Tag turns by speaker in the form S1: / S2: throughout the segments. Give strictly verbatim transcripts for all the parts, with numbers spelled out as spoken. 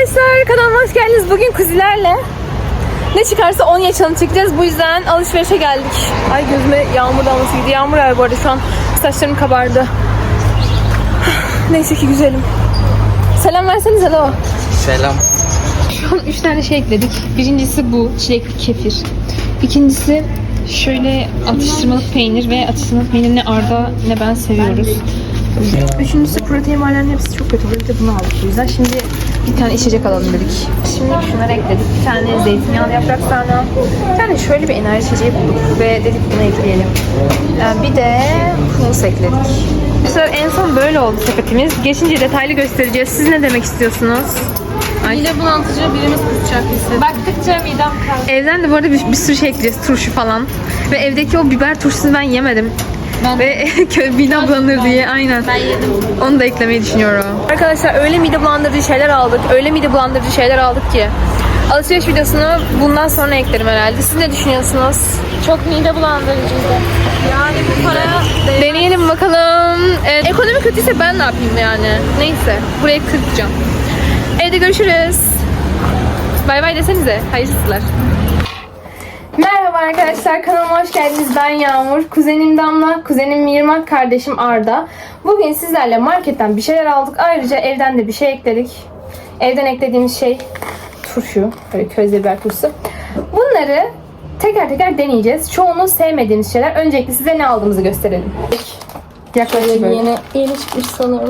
S1: arkadaşlar, kanalıma hoş geldiniz. Bugün kuzilerle ne çıkarsa onu yaşanı çekeceğiz. Bu yüzden alışverişe geldik. Ay gözüme yağmur damlası gidiyor. Yağmur var bu arada, şu an saçlarım kabardı. Neyse ki güzelim. Selam versenize de o.
S2: Selam.
S1: Şu an üç tane şey ekledik. Birincisi bu çilekli kefir. İkincisi şöyle atıştırmalık peynir ve atıştırmalık peynir ne Arda ne ben seviyoruz. Üçüncüsü protein barlarının hepsi çok kötü. Bir de bunu aldık bu yüzden. Şimdi bir tane içecek alalım dedik. Şimdi şunları ekledik. Bir tane zeytinyağlı yaprak sarma. Bir tane şöyle bir enerji içeceği bulduk ve dedik bunu ekleyelim. Bir de humus ekledik. Arkadaşlar en son böyle oldu sepetimiz. Geçince detaylı göstereceğiz. Siz ne demek istiyorsunuz? Ay.
S3: Mide bulantıcı birimiz kusacak hissettim.
S1: Baktıkça midem kaldı. Evden de bu arada bir, bir sürü şey ekleyeceğiz. Turşu falan. Ve evdeki o biber turşusunu ben yemedim.
S3: Ben
S1: Ve midem bulanır diye aynen.
S3: Ben yedim.
S1: Onu da eklemeyi düşünüyorum. Arkadaşlar öyle mide bulandırıcı şeyler aldık. Öyle mide bulandırıcı şeyler aldık ki. Alışveriş videosunu bundan sonra eklerim herhalde. Siz ne düşünüyorsunuz?
S3: Çok mide bulandırıcıydı. Yani bu para
S1: Deneyelim bakalım. Evet, ekonomi kötüyse ben ne yapayım yani? Neyse. Burayı kırpacağım. Evde görüşürüz. Bay bay desenize. Hayırsızlar. Merhaba arkadaşlar, kanalıma hoş geldiniz. Ben Yağmur, kuzenim Damla, kuzenim Mirmak, kardeşim Arda. Bugün sizlerle marketten bir şeyler aldık. Ayrıca evden de bir şey ekledik. Evden eklediğimiz şey turşu, böyle közde biber turşusu. Bunları teker teker deneyeceğiz. Çoğunu sevmediğimiz şeyler. Öncelikle size ne aldığımızı gösterelim. Yaklaşık böyle.
S3: yeni, yeni çıkmış sanırım.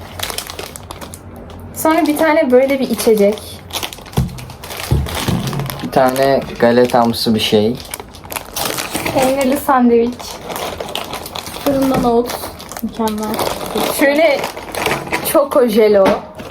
S1: Sonra bir tane böyle bir içecek.
S2: Bir tane galetamsı bir şey.
S3: Peynirli sandviç. Fırından oat. Mükemmel.
S1: Şöyle Choco Jello.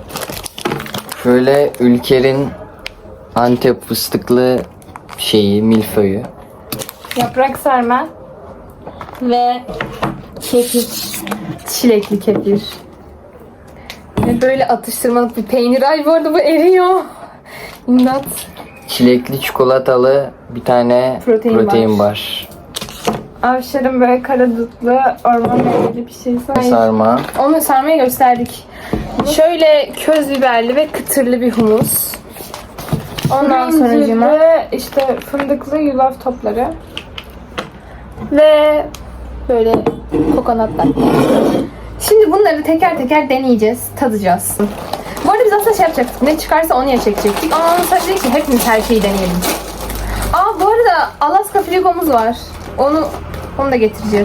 S2: Şöyle Ülker'in Antep fıstıklı şeyi, milföyü.
S3: Yaprak sarma. Ve kefir.
S1: Çilekli kefir. Ve böyle atıştırmalık bir peynir. Ay bu arada bu eriyor. İmdat.
S2: Çilekli çikolatalı bir tane
S1: Protein
S2: protein,
S1: bar.
S2: bar.
S3: Avşar'ın böyle kara dutlu orman meyveli bir şey.
S2: Sarma.
S1: Onu sarmayı gösterdik. Şöyle köz biberli ve kıtırlı bir humus. Ondan sonra
S3: Ve işte fındıklı yulaf topları.
S1: ve böyle kokonatlar. Şimdi bunları teker teker deneyeceğiz, tadacağız. Bu arada biz aslında şey yapacaktık, ne çıkarsa onu ya çekecektik. Ama onu sadece ki hepimiz her şeyi deneyelim. Aa bu arada Alaska frigomuz var. Onu onu da getireceğiz.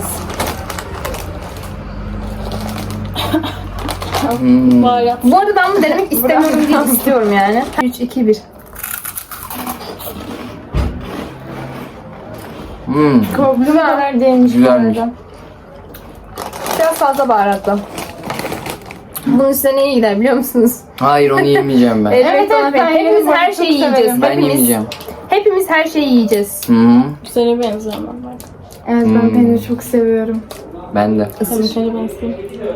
S2: Hmm.
S3: Baharat.
S1: Bu arada ben bunu denemek istemiyorum değil, istiyorum yani. üç, iki, bir.
S2: Hmm.
S3: Korktuğum kadar değmiş bu
S2: Güzelmiş.
S3: arada.
S1: Biraz fazla baharatlı. Bunun üstüne ne iyi gider biliyor musunuz?
S2: Hayır, onu yemeyeceğim ben.
S1: Evet,
S3: Evet,
S1: ona
S3: evet,
S1: ben-
S3: ben
S1: hepimiz
S3: yerim,
S1: her
S3: çok
S1: şeyi
S3: severim.
S1: yiyeceğiz.
S2: Ben
S1: hepimiz,
S2: yemeyeceğim.
S1: hepimiz her şeyi yiyeceğiz.
S2: Hı -hı.
S3: Seni benziyor ama. Evet ben
S2: Hmm.
S3: peyniri çok seviyorum.
S2: Ben de.
S3: Tabii seni benziyor.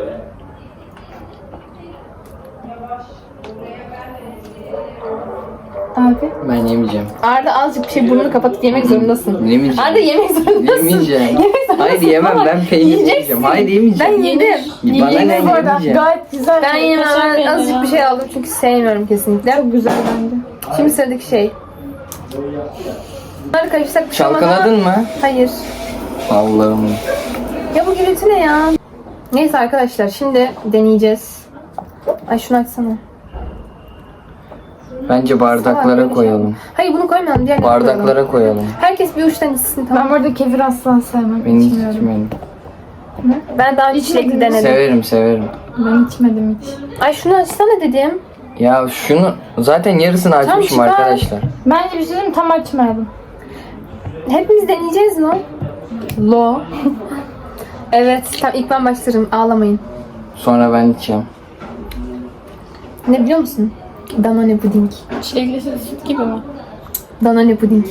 S3: Abi.
S2: Ben yemeyeceğim.
S1: Arda azıcık bir şey burnunu kapatıp yemek zorundasın.
S2: Yemeyeceğim.
S1: Arda yemek zorundasın.
S2: Yemeyeceğim.
S1: Yemek zorundasın.
S2: Hayır yemem,
S1: Ama
S2: ben peynir
S1: yiyeceksin.
S2: yemeyeceğim. Hayır yemeyeceğim.
S1: Ben yedim.
S2: Bana ne,
S3: Yenir bu arada.
S2: yemeyeceğim.
S3: Gayet güzel.
S1: Ben yemem.
S3: Kaşar
S1: Ben azıcık
S3: peyniri.
S1: bir şey aldım çünkü sevmiyorum kesinlikle.
S3: Çok güzel bence.
S1: Şimdi sıradaki şey. Bunları karıştırsak bir şey olmaz ama-
S2: Çalkaladın mı?
S1: Hayır.
S2: Allah'ım.
S1: Ya bu gürültü ne ya? Neyse arkadaşlar şimdi deneyeceğiz. Ay şunu açsana.
S2: Bence bardaklara koyalım.
S1: Hayır bunu koymayalım. Diğerlerini koyalım.
S2: Bardaklara koyalım.
S1: Herkes bir uçtan içsin tamam.
S3: Ben bu arada kefir asla sevmem.
S2: Ben hiç
S3: içmiyorum.
S2: içmedim.
S1: Ben daha önce çilekli
S3: İçmediniz.
S1: denedim.
S2: Severim severim.
S3: Ben içmedim hiç.
S1: Ay şunu açsana dedim.
S2: Ya şunu zaten yarısını açmışım
S1: çıkar.
S2: arkadaşlar.
S3: Bence bir şey diyeyim mi? Tam açmadım.
S1: Hepimiz deneyeceğiz mi? Lo. Evet. Tamam ilk ben başlarım. Ağlamayın.
S2: Sonra ben içeceğim.
S1: Ne biliyor musun? Danone puding.
S3: Çilekli süt gibi mi?
S1: Danone puding.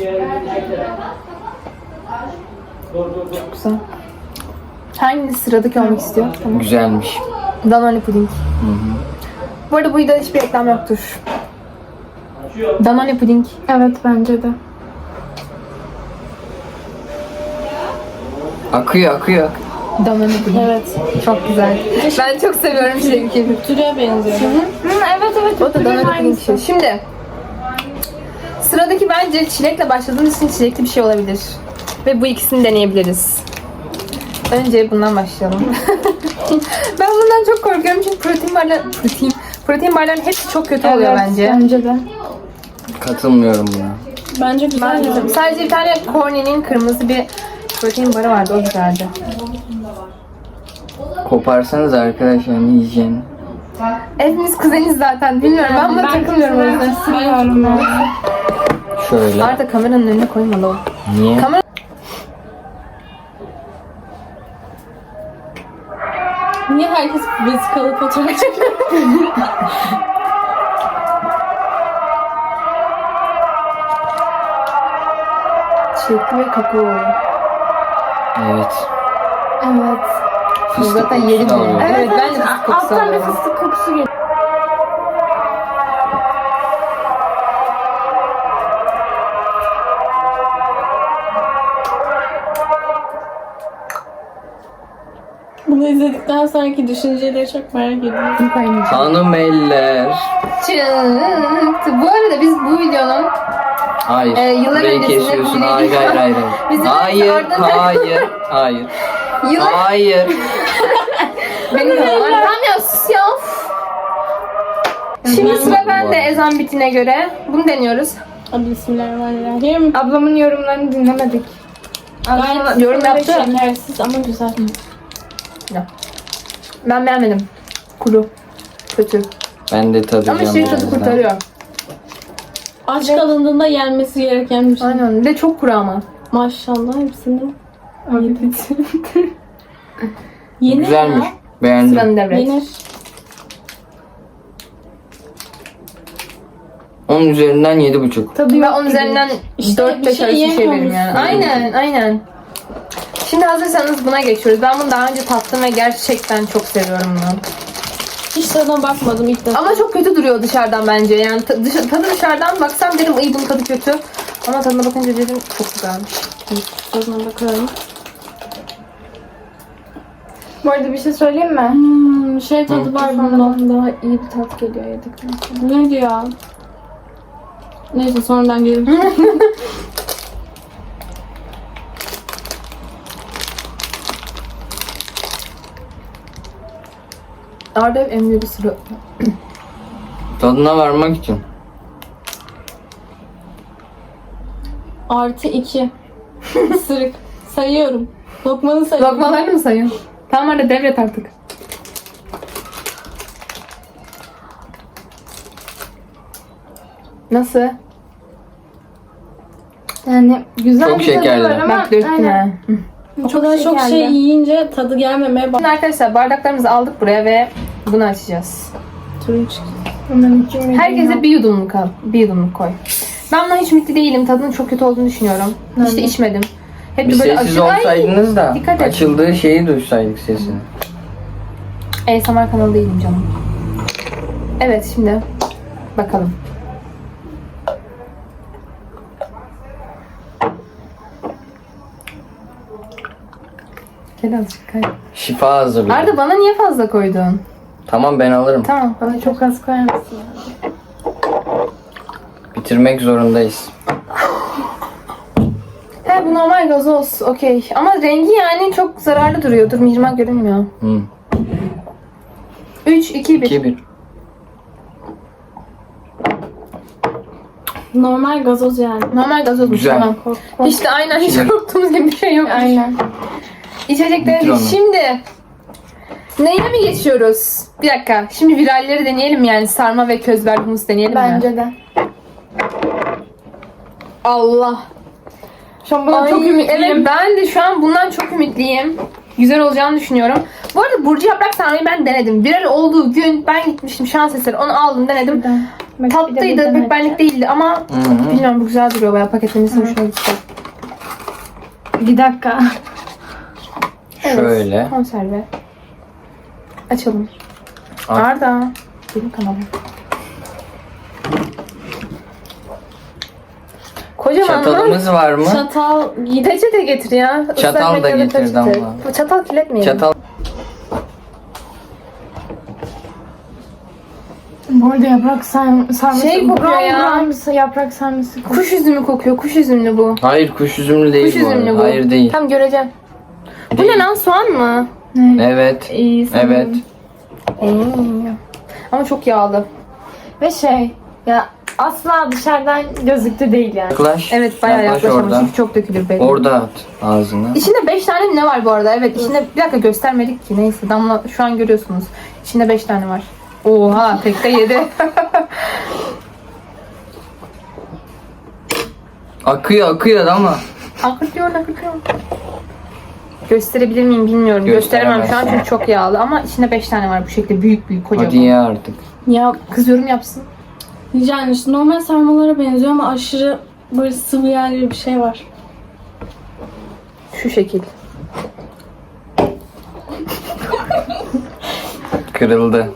S1: Çok güzel. Hangisi sıradaki olmak istiyor? Tamam.
S2: Güzelmiş.
S1: Danone puding. Bu arada bu videoda hiçbir reklam yoktur. Danone puding.
S3: Evet bence de.
S2: Akıyor akıyor.
S1: Danone puding.
S3: Evet.
S1: Çok güzel. Ben çok seviyorum çilekli.
S3: Türe benziyor. Hı, evet evet.
S1: O da Danone puding
S3: aynısı.
S1: şey. Şimdi sıradaki bence çilekle başladığımız için çilekli bir şey olabilir. Ve bu ikisini deneyebiliriz. Önce bundan başlayalım. Ben bundan çok korkuyorum çünkü protein barlar, protein, protein barların hepsi çok kötü oluyor
S3: Evet,
S1: bence.
S3: Bence de.
S2: Katılmıyorum buna.
S3: Bence güzel.
S1: Bence de. Sadece bir tane Cornet'in kırmızı bir protein barı vardı, o güzeldi.
S2: Koparsanız arkadaşlar ne yiyeceğini.
S1: Hepimiz kuzeniz zaten, bilmiyorum. Ben buna takılmıyorum o yüzden.
S3: Seviyorum ben.
S2: Şöyle.
S1: Arda kameranın önüne koymalı o.
S2: Niye?
S1: Kamera...
S3: Niye herkes vesikalı fotoğraf çekiyor?
S1: Çilekli ve kakao.
S2: Evet.
S3: Evet.
S2: Fıstık
S1: Zaten
S2: kokusu
S1: yedim
S2: da
S1: yani.
S2: alıyor.
S1: Evet, ben de fıstık kokusu
S3: Alttan bir
S1: alıyorum.
S3: fıstık kokusu geliyor. Bunu izledikten sonraki düşünceleri çok merak ediyorum.
S2: Hanım eller.
S1: Çıktı. Bu arada biz bu videonun
S2: Hayır.
S1: Ee, yıllar
S2: Burayı
S1: öncesinde
S2: kesiyorsun.
S1: bir
S2: Hayır
S1: video-
S2: hayır hayır.
S1: Bizim
S2: Hayır.
S1: ardından-
S2: Hayır. Hayır.
S1: yıllar
S2: Hayır.
S1: benim kanalım. Tamam ya, sus ya. Of. Şimdi sıra bende ezan bitine göre. Bunu deniyoruz.
S3: Hadi bismillahirrahmanirrahim.
S4: Ablamın yorumlarını dinlemedik.
S3: Gayet
S1: yorum yaptı.
S3: şekersiz ama güzel.
S1: Ben beğenmedim. Kuru. Kötü.
S2: Ben de tadacağım.
S1: Ama şey tadı
S2: birazdan.
S1: kurtarıyor.
S3: Aç kalındığında yenmesi gereken bir şey.
S1: Aynen. Bir de çok kuru ama.
S3: Maşallah hepsini yedik. Yenir
S2: Güzelmiş.
S3: ya.
S2: Beğendim.
S1: Sıranı devret.
S3: Yenir.
S2: Onun üzerinden yedi buçuk.
S1: Tabii ben onun üzerinden
S3: İşte
S1: dört
S3: bir
S1: beş
S3: şey
S1: arası bir şey veririm
S3: yemiyormuş.
S1: yani. Aynen, aynen. Şimdi hazırsanız buna geçiyoruz. Ben bunu daha önce tattım ve gerçekten çok seviyorum bunu.
S3: Hiç tadına bakmadım ilk defa.
S1: Ama çok kötü duruyor dışarıdan bence. Yani ta- dış- tadı dışarıdan baksam dedim iyi bunun tadı kötü. Ama tadına bakınca dedim çok güzelmiş.
S3: Tadına bakalım.
S4: Bu arada bir şey söyleyeyim mi?
S3: Hmm, şey tadı var bundan.
S4: Daha iyi bir tat geliyor yedikten sonra.
S3: Ne diyor? Neyse sonradan gelir.
S1: Arda hep emniyor bir sürü.
S2: Tadına varmak için.
S3: Artı iki. Isırık. Sayıyorum. Lokmanı sayıyorum.
S1: Lokmalarını mı sayın? Tamam Arda devret artık. Nasıl?
S4: Yani güzel
S2: Çok
S4: bir tadı
S2: şekerli.
S4: var ama
S1: Bak döktüm
S4: aynen.
S1: ha. Hı.
S3: O kadar çok
S4: şekerli.
S3: şey yiyince tadı gelmemeye
S1: Şimdi
S3: başladı.
S1: arkadaşlar bardaklarımızı aldık buraya ve bunu açacağız.
S3: Turunç.
S4: Hemen iki milyon.
S1: Herkese bir yudumluk al. Bir yudumluk koy. Ben buna hiç ümitli değilim. Tadının çok kötü olduğunu düşünüyorum. Hiç de içmedim. Hep
S2: Bir
S1: de böyle
S2: sessiz
S1: aşırı... Ay!
S2: olsaydınız da
S1: dikkat et.
S2: açıldığı şeyi duysaydık sesini.
S1: A S M R kanalı değilim canım. Evet şimdi bakalım. Gel azıcık kay.
S2: Şifa hazırlıyor.
S1: Arda bana niye fazla koydun?
S2: Tamam ben alırım.
S1: Tamam bana çok...
S4: Çok az koyar mısın?
S2: Bitirmek zorundayız.
S1: He bu normal gazoz. Okey. Ama rengi yani çok zararlı duruyor. Dur mihrimah görünmüyor.
S2: Hı.
S1: üç, iki, bir.
S2: iki bir.
S3: Normal gazoz yani.
S1: Normal gazoz.
S2: Güzel.
S1: Tamam. Hiç de aynen hiç
S2: Şimdi-
S1: korktuğumuz gibi bir şey yok.
S4: Aynen.
S1: İçecekleri
S2: Bitir onu.
S1: şimdi neye mi geçiyoruz? Bir dakika. Şimdi viralleri deneyelim yani sarma ve közber humus deneyelim mi?
S4: Bence de.
S1: Allah.
S4: Şu an buna
S1: Ay,
S4: çok ümitliyim.
S1: evet ben de şu an bundan çok ümitliyim. Güzel olacağını düşünüyorum. Bu arada Burcu yaprak sarmayı ben denedim. Viral olduğu gün ben gitmiştim şans eseri onu aldım denedim.
S4: Bak, bir de
S1: Tatlıydı
S4: buradan
S1: pek benlik
S4: açacağım.
S1: değildi ama
S2: Hı.
S1: bilmiyorum bu güzel duruyor bayağı paketlemesi hoşuma gitti.
S4: Bir dakika.
S1: Evet.
S2: Şöyle.
S1: Konserve. Açalım.
S2: Aç.
S1: Arda. Benim kanalım. Koy Kocaman lan.
S2: Çatalımız var mı?
S4: Çatal
S1: Peçete getir ya.
S2: Çatal
S1: Islak
S2: da
S1: mendil ya
S2: getir
S1: peçete.
S2: Damla.
S1: Bu çatal kirletmeyelim.
S2: Çatal.
S4: Bu arada yaprak sarm sarması.
S1: Şey kokuyor
S4: brown
S1: ya.
S4: brown bir yaprak sarması kokuyor.
S1: Kuş üzümü kokuyor. Kuş üzümlü bu.
S2: Hayır kuş üzümlü değil
S1: Kuş
S2: bu
S1: üzümlü
S2: arada.
S1: bu.
S2: Hayır değil.
S1: Tam göreceğim. Bu
S2: Değil.
S1: ne lan, soğan mı?
S2: Evet.
S4: İyi sanırım.
S2: Evet.
S1: Ee, ama çok yağlı.
S4: Ve şey ya asla dışarıdan gözüktü değil yani.
S2: Yaklaş.
S1: Evet bayağı
S2: Yaklaş
S1: yaklaşamamış
S2: orada.
S1: çünkü çok dökülür belli.
S2: Orada at ağzına.
S1: İçinde beş tane mi ne var bu arada? Evet içinde bir dakika göstermedik ki, neyse Damla şu an görüyorsunuz. İçinde beş tane var. Oha tek de yedi.
S2: Akıyor akıyor ama.
S1: Akıtıyor akıtıyor. Gösterebilir miyim bilmiyorum. Gösteremem şu an çünkü çok yağlı ama içinde beş tane var bu şekilde büyük büyük kocaman.
S2: Hadi ye artık.
S5: Ya
S1: Kız yorum yapsın.
S5: yani işte normal sarmalara benziyor ama aşırı böyle sıvı yağ gibi bir şey var.
S1: Şu şekil.
S2: Kırıldı.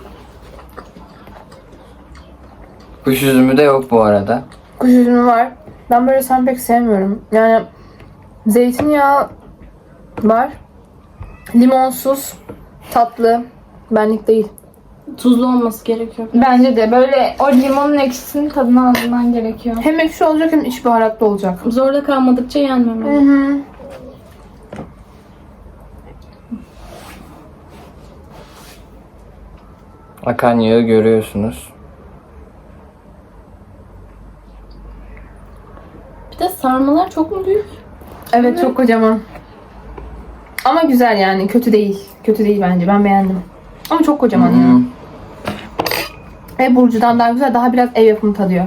S2: Kuş üzümü de yok bu arada.
S1: Kuş üzümü var. Ben böyle sen pek sevmiyorum. Yani zeytinyağı var. Limonsuz, tatlı. Benlik değil.
S5: Tuzlu olması gerekiyor.
S4: Bence de böyle o limonun ekşisinin tadını alman gerekiyor.
S1: Hem ekşi olacak hem iç baharatlı olacak.
S5: Zorda kalmadıkça yenmemeli.
S1: Hı.
S2: Akan yağı görüyorsunuz.
S5: Bir de sarmalar çok mu büyük?
S1: Evet çok kocaman. Ama güzel yani, kötü değil. Kötü değil bence, ben beğendim. Ama çok kocaman ya.
S2: Hmm.
S1: Ev Burcu'dan daha güzel, daha biraz ev yapımı tadıyor.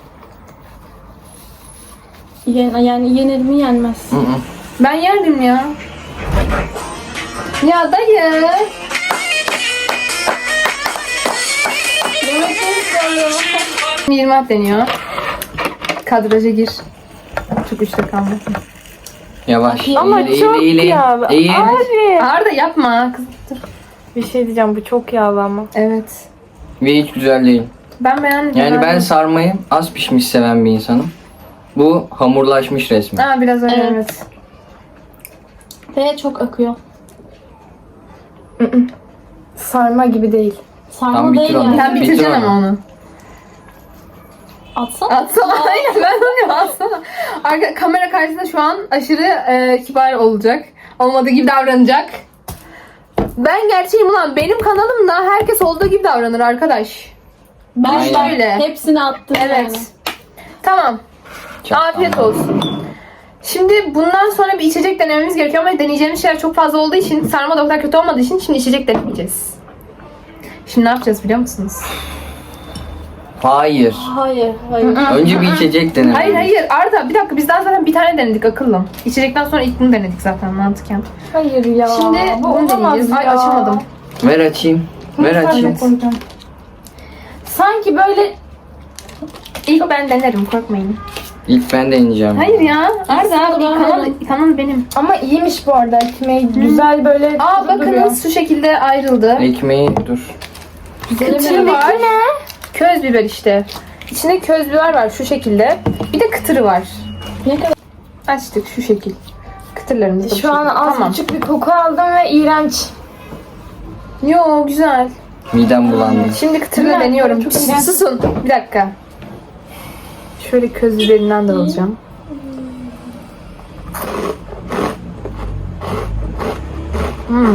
S5: Yen, yani yenir mi yenmez.
S2: Hı hı.
S1: Ben yerdim ya. Ya dayı. yirmi at deniyor. Kadraja gir. Çok üçte kalmasın.
S2: Yavaş.
S4: Ama
S2: eğil,
S4: çok
S2: eğil, eğil.
S4: yağlı.
S2: Eğil.
S4: Abi.
S1: Arda yapma. Kız, dur.
S4: Bir şey diyeceğim, bu çok yağlı ama.
S1: Evet.
S2: Ve hiç güzel değil.
S1: Ben beğendim.
S2: Yani ben
S1: beğendim.
S2: sarmayı az pişmiş seven bir insanım. Bu hamurlaşmış resmen.
S1: Aa, biraz öyle
S5: Evet.
S1: evet.
S5: Ve çok akıyor.
S4: Sarma gibi değil.
S5: Sarma
S2: Tam bitir
S5: değil
S2: onu.
S5: yani.
S1: Sen
S2: Bitir
S1: bitireceksin
S2: onu.
S1: ama onu.
S5: Atsana.
S1: Atsana. Aynen ben onu atsana. Arka, kamera karşısında şu an aşırı e, kibar olacak. Olmadığı gibi davranacak. Ben gerçeğim ulan. Benim kanalımda herkes olduğu gibi davranır arkadaş.
S5: Ben
S2: Aynen.
S1: Şöyle.
S5: hepsini attım
S1: Evet.
S5: yani.
S1: Tamam.
S2: Çok
S1: Afiyet
S2: tamam.
S1: olsun. Şimdi bundan sonra bir içecek denememiz gerekiyor ama deneyeceğimiz şeyler çok fazla olduğu için, sarma da o kadar kötü olmadığı için şimdi içecek denemeyeceğiz. Şimdi ne yapacağız biliyor musunuz?
S2: Hayır.
S5: Hayır, hayır.
S2: Önce bir içecek denelim.
S1: Hayır hayır Arda bir dakika, biz daha zaten bir tane denedik akıllım. İçecekten sonra ilk bunu denedik zaten mantıken.
S4: Hayır ya.
S1: Şimdi
S4: bu
S1: bunu
S4: olamaz
S1: deneyeceğiz. Ay
S4: ya.
S1: açamadım.
S2: Ver açayım. Ver
S4: Ben de
S2: açayım.
S4: koyacağım. Sanki böyle
S1: İlk ben denerim, korkmayın.
S2: İlk ben deneyeceğim.
S1: Hayır ya Arda
S5: İkisini de ben
S1: kanal,
S5: denedim.
S1: kanal benim.
S4: ama iyiymiş bu arada, ekmeği güzel böyle
S1: Aa
S4: duruyor.
S1: bakınız şu şekilde ayrıldı.
S2: Ekmeği dur.
S1: Kıtırı var. Köz biber işte. İçinde köz biber var şu şekilde. Bir de kıtırı var.
S5: Ne kadar?
S1: Açtık şu şekil. Kıtırlarımız da bu
S4: Şu an
S1: şekil.
S4: az
S1: Tamam.
S4: buçuk bir koku aldım ve iğrenç.
S1: Yo güzel.
S2: Midem bulandı.
S1: Şimdi kıtırla
S4: Güzel,
S1: deniyorum.
S4: çok
S1: Sus,
S4: güzel.
S1: susun. Bir dakika. Şöyle köz biberinden de alacağım. Hmm.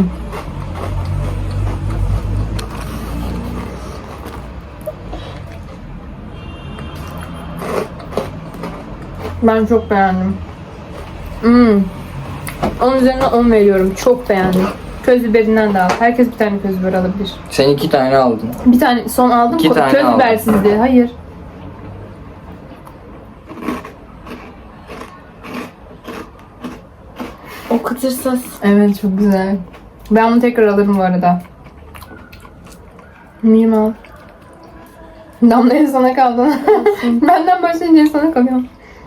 S1: Ben çok beğendim. Hmm. Onun üzerine on veriyorum. Çok beğendim. Köz biberinden de al. Herkes bir tane köz biber alabilir.
S2: Sen iki tane aldın.
S1: Bir tane son aldım.
S2: İki
S1: Ko-
S2: tane
S1: köz
S2: aldım.
S1: bibersizdi. Hayır.
S5: O kıtırsız.
S1: Evet çok güzel. Ben bunu tekrar alırım bu arada. Miyim al. Damlaya sana kaldı. Benden başlayınca sana kalıyor.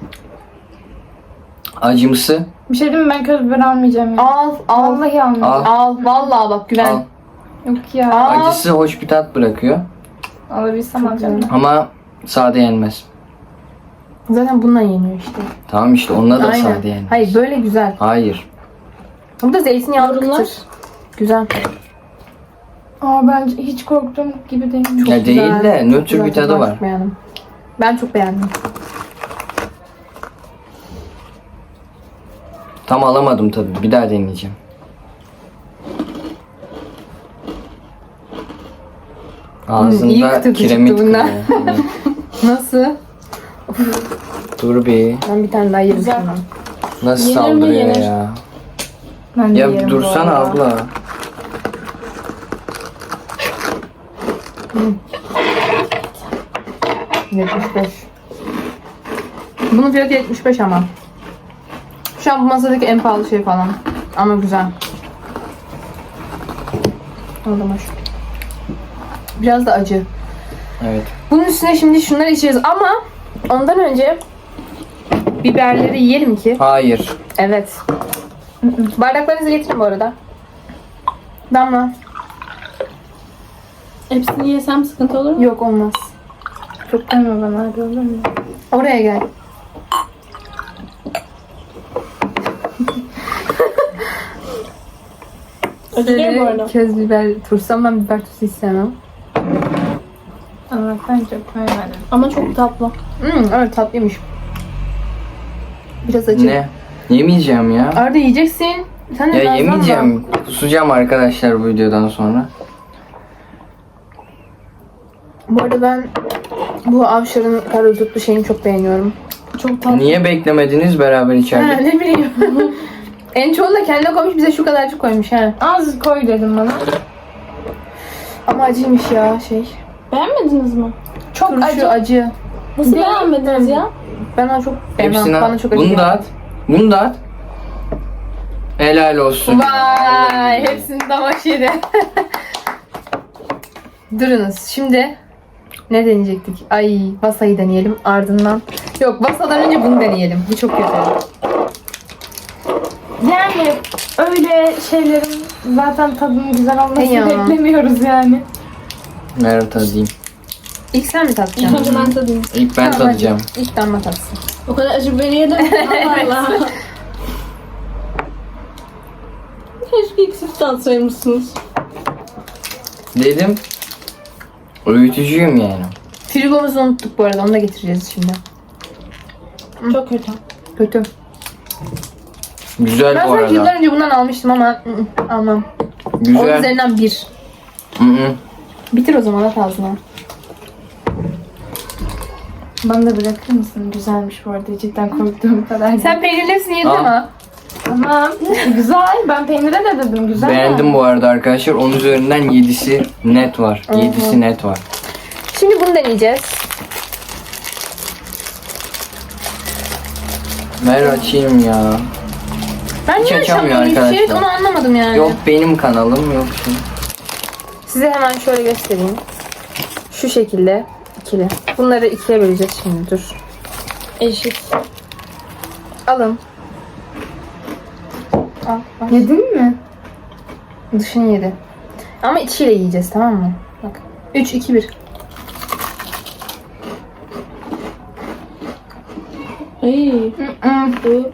S2: Acımsı.
S4: Bir şey diyeyim mi? Ben köz biber almayacağım ya.
S1: Al al.
S4: Vallahi almayacağım.
S1: Al. Vallahi bak güven.
S2: Al.
S4: Yok ya.
S1: Al.
S2: Acısı hoş bir tat bırakıyor.
S4: Alabilsem alacağım.
S2: Ama sade yenmez.
S1: Zaten bununla yeniyor işte.
S2: Tamam işte onunla da
S1: Aynen.
S2: sade yani.
S1: Hayır böyle güzel.
S2: Hayır.
S1: Bu da zeytinyağlı
S5: Yorumlar?
S1: kıtır. Güzel.
S3: Aa bence hiç korktuğum gibi değil.
S1: Çok
S2: Ya
S1: güzel.
S2: değil de
S1: Çok
S2: nötr
S1: güzel
S2: bir tadı
S1: tadı
S2: var.
S1: Çok beğendim. Ben çok beğendim.
S2: Tam alamadım tadı. Bir daha deneyeceğim.
S1: Hmm, iyi
S2: Ağzında
S1: kıtır
S2: kiremit
S1: çıktı bundan.
S2: kırıyor.
S1: Nasıl?
S2: Dur bir.
S1: Ben bir tane daha yerim
S5: Güzel.
S1: şundan.
S2: Nasıl
S5: Yenir mi?
S2: saldırıyor
S5: Yenir.
S2: ya?
S3: Ben de
S2: Ya
S3: yerim bu
S2: dursana
S3: arada.
S2: abla.
S1: yetmiş beş. Bunun fiyatı yetmiş beş ama. Şu an bu masadaki en pahalı şey falan. Ama güzel. Aldım hoş. Biraz da acı.
S2: Evet.
S1: Bunun üstüne şimdi şunları içeceğiz ama ondan önce biberleri yiyelim ki.
S2: Hayır.
S1: Evet. Bardaklarınızı getirin bu arada. Damla.
S5: Hepsini yesem sıkıntı olur mu?
S1: Yok olmaz.
S3: Çok deme bana hadi olur mu?
S1: Oraya gel.
S5: Acı değil bu arada.
S1: Köz biber tursam ben biber turşusu istemem.
S3: Ama ben çok koymadım.
S5: Ama çok tatlı.
S1: Hmm, evet tatlıymış. Biraz acı.
S2: Ne? Yemeyeceğim ya.
S1: Arda yiyeceksin. Sen de
S2: Ya
S1: nazlanma.
S2: yemeyeceğim. Kusacağım arkadaşlar bu videodan sonra.
S1: Bu arada ben bu Avşar'ın karadutlu şeyini çok beğeniyorum.
S5: Çok tatlı.
S2: Niye beklemediniz beraber
S1: Ha,
S2: içeride?
S1: ne bileyim. En çoğunu da kendine koymuş, bize şu kadarcık koymuş ha.
S3: Az koy dedim bana.
S1: Ama acıymış ya şey.
S5: Beğenmediniz mi?
S1: Çok Turşu acı. acı.
S5: Nasıl
S3: Değil
S5: beğenmediniz ya?
S1: Ben onu çok beğenmem.
S2: Hepsini
S1: Bana
S2: at.
S1: çok acı
S2: Bunu
S1: geldi.
S2: da at. Bunu da at. Helal olsun.
S1: Vay, hepsini damaş yedi. Durunuz. Şimdi ne deneyecektik? Ay, Vasa'yı deneyelim ardından. Yok, Vasa'dan önce bunu deneyelim. Bu çok güzel.
S3: Yani öyle şeylerin zaten tadının güzel olmasını
S1: Hey ya.
S3: beklemiyoruz yani.
S2: Ver tadayım.
S1: İlk sen mi
S5: İlk
S1: tatacaksın?
S5: önce ben tadayım.
S2: İlk ben
S1: Tamam,
S2: tadacağım.
S1: hadi. İlk damla tatsın.
S5: O kadar acı biberi yedim. Allah Allah. Keşke ilk siz tatsaymışsınız.
S2: Dedim. Öğütücüyüm yani.
S1: Frigomuzu unuttuk bu arada. Onu da getireceğiz şimdi.
S5: Çok kötü.
S1: Kötü.
S2: Güzel
S1: Ben
S2: bu
S1: sanki
S2: arada.
S1: yıllar önce bundan almıştım ama ı, ı, almam. Onun
S2: Güzel.
S1: üzerinden bir.
S2: Hı hı.
S1: Bitir o zaman at ağzına.
S3: Bana da bırakır mısın? Güzelmiş bu arada. Cidden korktuğum kadar.
S1: Sen peynirli hepsini yedin
S2: Al.
S1: ama.
S3: Tamam. Güzel. Ben peynire de dedim. Güzel.
S2: Beğendim bu arada arkadaşlar. Onun üzerinden yedisi net var.
S1: Hı hı.
S2: yedisi net var.
S1: Şimdi bunu deneyeceğiz.
S2: Ver açayım ya.
S1: Ben
S2: Hiç
S1: niye
S2: açamıyor
S1: açamıyorum hiçbir şey?
S2: arkadaşlar.
S1: Onu anlamadım yani.
S2: Yok benim kanalım yok şey.
S1: Size hemen şöyle göstereyim. Şu şekilde ikili. Bunları ikiye böleceğiz şimdi. Dur.
S5: Eşit.
S1: Alın. Al. al.
S3: Yedin mi?
S1: Dışını yedi. Ama içiyle yiyeceğiz, tamam mı? Bak. üç, iki, bir.
S5: Ay. Bu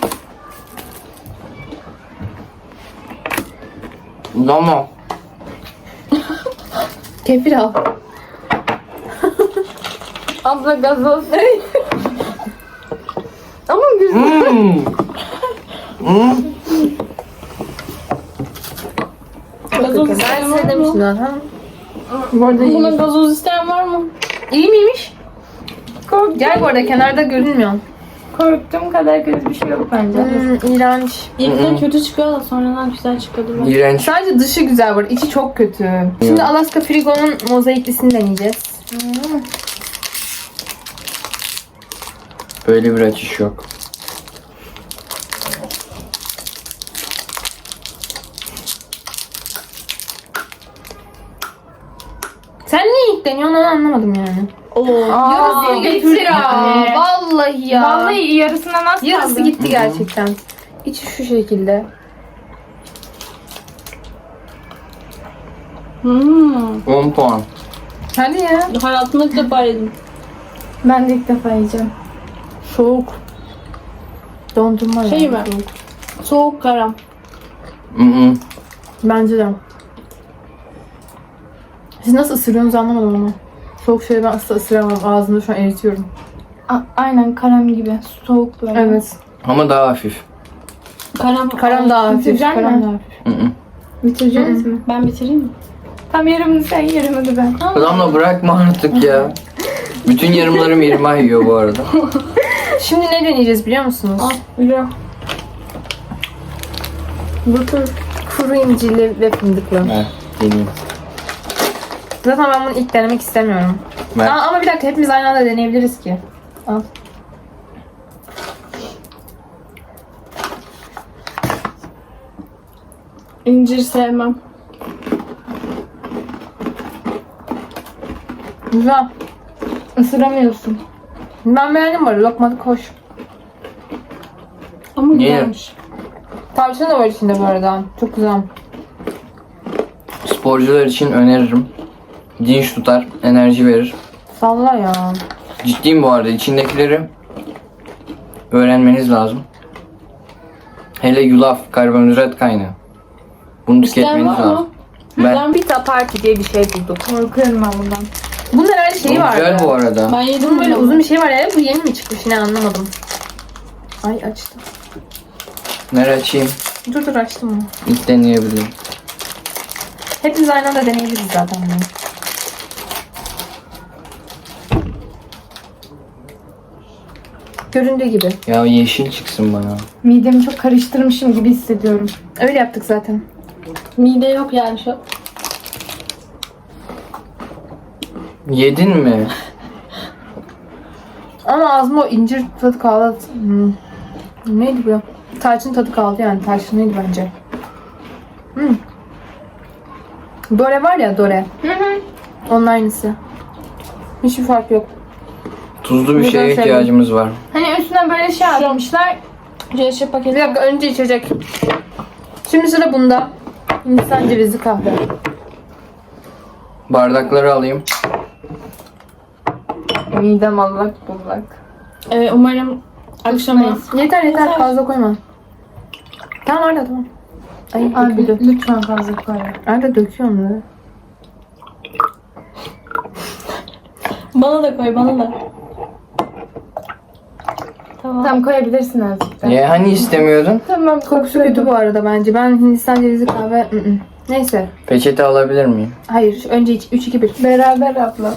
S2: Ama
S1: Kefir al.
S3: Abla gazoz. Ama güzel.
S2: Hmm. Hmm.
S5: gazoz
S1: Ben
S5: isteyen
S1: size
S5: var mı?
S1: demiştim zaten.
S3: Bu arada
S5: Buna
S3: iyi.
S5: gazoz isteyen var mı?
S1: İyi miymiş?
S3: Korktum.
S1: Gel bu arada, kenarda görünmüyor.
S3: Korktuğum kadar kötü bir şey yok bence.
S1: Hmm, iğrenç.
S5: İlkten kötü çıkıyor da sonradan güzel çıkıyordu. bak.
S2: İğrenç.
S1: Sadece dışı güzel var, içi çok kötü. Şimdi Alaska Frigo'nun mozaiklisini deneyeceğiz.
S2: Böyle bir açış yok.
S1: Sen niye ilk deniyorsun onu anlamadım yani.
S5: Oo.
S1: Yarısı
S3: getir
S1: gitti ya.
S3: yani.
S1: Vallahi ya.
S3: Vallahi yarısından az
S1: Yarısı
S3: kaldı.
S1: gitti gerçekten. İçi şu şekilde.
S5: Hmm.
S2: on puan.
S1: Hadi ya.
S5: Hayatımda ilk defa yedim.
S3: Ben de ilk defa yiyeceğim.
S1: Soğuk. Dondurma
S5: Şey
S1: yani,
S5: mi?
S1: soğuk.
S5: Soğuk karam.
S2: Mm-mm.
S1: Bence de. Siz nasıl ısırıyorsunuz anlamadım ama. Soğuk şeyleri ben asla ısıramam. Ağzımda şu an eritiyorum.
S3: A- aynen karam gibi. Soğuk böyle.
S1: Evet.
S2: Ama daha hafif.
S5: Karam.
S1: Karam daha hafif.
S3: Bitirecek
S1: Karam
S3: mi?
S1: daha hafif.
S2: Mm-mm.
S3: Bitireceğiz mi?
S5: Ben bitireyim mi?
S3: Tam yarımını sen yarımını da ben.
S2: Damla bırakma artık ya. Bütün yarımlarım irmah yiyor bu arada.
S1: Şimdi ne deneyeceğiz biliyor musunuz?
S5: Al. Biliyorum.
S1: Bu tür kuru incirli ve fındıklı.
S2: Ver deneyeyim.
S1: Zaten ben bunu ilk denemek istemiyorum.
S2: Ver.
S1: Aa, ama bir dakika hepimiz aynı anda deneyebiliriz ki. Al.
S5: İncir sevmem.
S1: Güzel.
S3: Isıramıyorsun.
S1: Ben beğendim bu arada. Lokmalık hoş.
S5: Ama
S2: Niye?
S5: güzelmiş.
S1: Tavşan da var içinde bu arada. Çok güzel.
S2: Sporcular için öneririm. Dinç tutar, enerji verir.
S1: Salla ya.
S2: Ciddiyim bu arada. İçindekileri öğrenmeniz lazım. Hele yulaf, karbonhidrat kaynağı. Bunu
S5: İsteyen
S2: tüketmeniz
S5: var mı?
S2: lazım. Ben
S1: Pizza Party diye bir şey bulduk.
S3: Korkuyorum ben bundan.
S1: Bunun herhalde şeyi
S2: Bu
S1: vardı.
S2: güzel bu arada.
S5: Ben yedim
S1: Bunun böyle
S5: bunu.
S1: uzun bir şey var ya. Bu yeni mi çıkmış ne anlamadım. Ay açtım.
S2: Nereye açayım?
S1: Dur dur açtım onu.
S2: İlk deneyebilirim.
S1: Hepimiz aynı anda deneyebiliriz zaten bunu. Göründüğü gibi.
S2: Ya yeşil çıksın bana.
S3: Midemi çok karıştırmışım gibi hissediyorum.
S1: Öyle yaptık zaten.
S5: Mide yok yani şu.
S2: Yedin mi?
S1: Ama ağzıma o incir tadı kaldı. Hmm. Neydi bu? Tarçın tadı kaldı yani. Tarçınlıydı bence. Hmm. Dore var ya Dore.
S3: Hı hı.
S1: Onun aynısı. Hiçbir fark yok.
S2: Tuzlu bir
S1: Neden
S2: şeye
S1: sevdim?
S2: ihtiyacımız var.
S3: Hani üstüne böyle şey yapmışlar.
S5: C paketi.
S1: Bir dakika önce içecek. Şimdi sıra bunda. Hindistan cevizli kahve.
S2: Bardakları alayım.
S3: Midem allak bullak.
S5: Ee, umarım akşama
S1: Yeter yeter fazla koyma. Tamam Arda tamam. Ay
S3: Abi
S1: döküldü.
S3: lütfen fazla koy.
S1: Arda döküyorum da.
S5: bana da koy bana da. Tamam.
S3: Tamam koyabilirsin azıcık da.
S2: Niye hani istemiyordun?
S3: Tamam
S1: Kokusu kötü bu arada bence. Ben Hindistan cevizli kahve... ı-ı. Neyse.
S2: Peçete alabilir miyim?
S1: Hayır. Önce iç. üç iki bir.
S3: Beraber abla.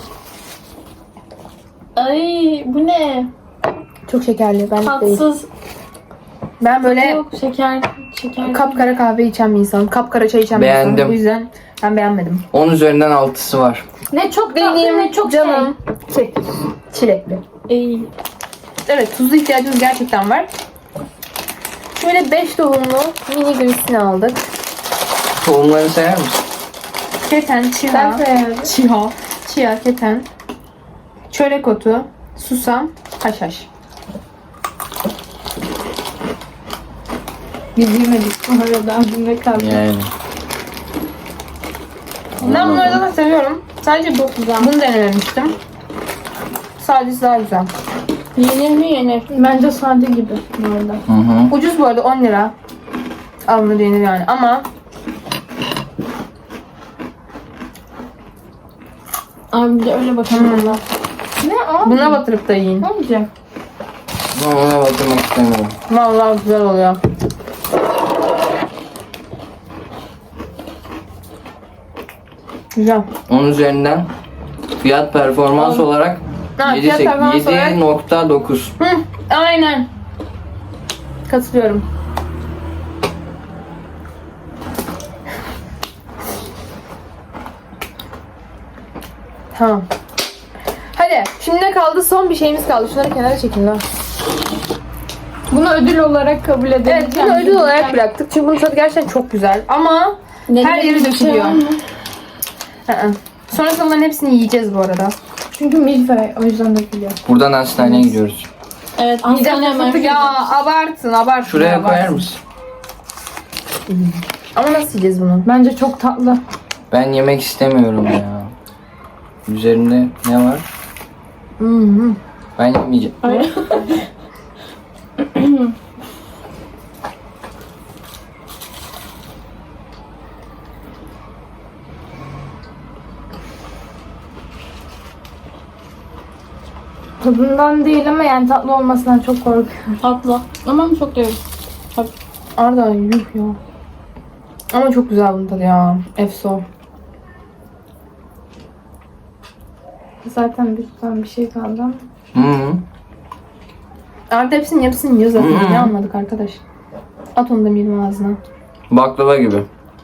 S5: Ay bu ne?
S1: Çok şekerli. Ben değil.
S5: Tatsız.
S1: Ben böyle
S5: Yok şeker. Şeker.
S1: kapkara kahve içen bir insanım. Kapkara çay içen bir
S2: Beğendim.
S1: insanım. Bu yüzden ben beğenmedim.
S2: on üzerinden altısı var.
S3: Ne çok tatlı
S1: Benim
S3: ne çok
S1: canım. Şey, çilekli.
S5: Ey.
S1: Evet tuzlu ihtiyacımız gerçekten var. Şöyle beş tohumlu mini grisini aldık.
S2: Tohumları sayar mısın?
S1: Keten,
S3: Ben
S1: çiha,
S3: sayarım.
S1: çiha, çiha, keten, çörek otu, susam, haşhaş.
S3: Biz yemedik bu arada abimle kaldı.
S2: Yani.
S1: Ben bunları zaten seviyorum. Sadece bu, bunu denememiştim. Sadece daha güzel.
S5: Yenir mi yenir?
S3: Bence sade gibi bu arada.
S2: Hı hı.
S1: Ucuz bu arada on lira. Alınır yenir yani ama
S5: Abi bir de öyle bakalım valla.
S3: Ne abi?
S1: buna batırıp da yiyin.
S3: Ne olacak?
S2: Ama ona batırmak istemiyorum.
S1: Vallahi güzel oluyor. Güzel.
S2: on üzerinden fiyat performans olarak
S1: Ha, fiyat performans olarak-
S2: yedi nokta dokuz.
S1: Hı, aynen. Katılıyorum. Tamam. Hadi şimdi ne kaldı? Son bir şeyimiz kaldı. Şunları kenara çekin lan.
S3: Bunu ödül olarak kabul edelim.
S1: Evet bunu ödül olarak bıraktık. Çünkü bunun tadı gerçekten çok güzel. Ama her yeri dökülüyor. Hı hı. Sonrasında bunların hepsini yiyeceğiz bu arada.
S3: Çünkü milföy o yüzden dökülüyor.
S2: Buradan hastaneye gidiyoruz.
S5: Evet
S1: Yiyeceğiz
S5: Antalya
S1: fıstık
S5: merkezi.
S1: ya abartın abartın.
S2: Şuraya
S1: abartın.
S2: koyar mısın?
S1: Ama nasıl yiyeceğiz bunu?
S3: Bence çok tatlı.
S2: Ben yemek istemiyorum ya. Üzerinde ne var?
S1: Hı hı.
S2: Ben yemeyeceğim.
S5: Ay.
S4: Tadından değil ama yani tatlı olmasından çok korkuyorum.
S5: Tatlı. Ama çok değil.
S1: Arda yuh ya. Ama çok güzel bunun tadı ya. Efso.
S4: Zaten bir tutan bir şey kaldı ama.
S2: Hı hı.
S1: Arda hepsinin yarısını yiyor zaten.
S2: Hmm.
S1: Ne anladık arkadaş? At onu da benim ağzına.
S2: Baklava gibi.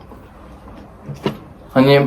S2: Hani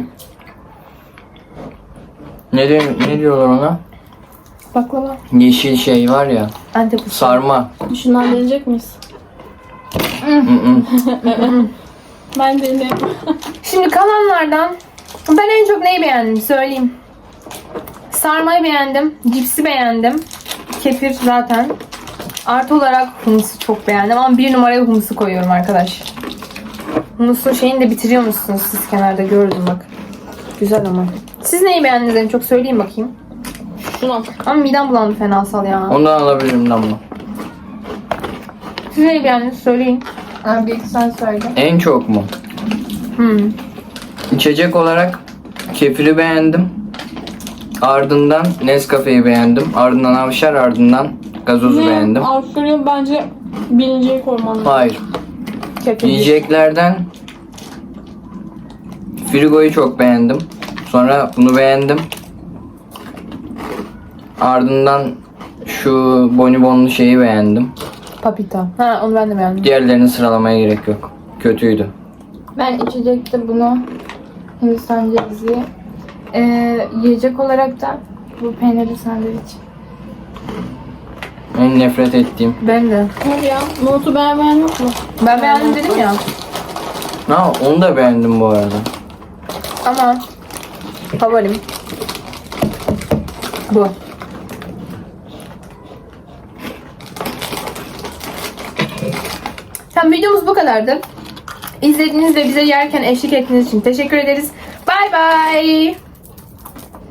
S2: ne, diyor, ne diyorlar ona?
S1: Baklava.
S2: Yeşil şey var ya.
S1: Antep usulü.
S2: Sarma.
S5: Şundan deneyecek miyiz?
S2: Hı hı.
S5: Ben deneyeyim.
S1: Şimdi kalanlardan ben en çok neyi beğendim söyleyeyim. Sarmayı beğendim. Cipsi beğendim. Kefir zaten. Artı olarak humusu çok beğendim ama bir numaraya humusu koyuyorum arkadaş. Humusun şeyini de bitiriyor musunuz siz kenarda gördüm bak. Güzel ama. Siz neyi beğendiniz en çok söyleyeyim bakayım.
S5: Şunu.
S1: Ama midem bulandı fenasal ya.
S2: Ondan alabilirim Damla.
S1: Siz neyi beğendiniz söyleyin.
S3: Abi ilk sen söyle.
S2: En çok mu?
S1: Hmm.
S2: İçecek olarak kefiri beğendim. Ardından Nescafe'yi beğendim. Ardından Avşar, ardından gazozu beğendim.
S5: Avşarı bence birinciye koyman lazım.
S2: Hayır.
S1: Kefir.
S2: Yiyeceklerden Frigo'yu çok beğendim. Sonra bunu beğendim. Ardından şu bonibonlu şeyi beğendim.
S1: Papita. Ha onu ben de beğendim.
S2: Diğerlerini sıralamaya gerek yok. Kötüydü.
S3: Ben içecekte bunu Hindistan cevizi. Ee, yiyecek olarak da bu peynirli sandviç.
S2: En nefret ettiğim.
S1: Ben de.
S5: Hadi ya. Nohutu beğenmeyen yok mu?
S1: Ben beğendim dedim ya.
S2: Ha, onu da beğendim bu arada.
S1: Ama favorim bu. Tamam videomuz bu kadardı. İzlediğiniz ve bize yerken eşlik ettiğiniz için teşekkür ederiz. Bay bay.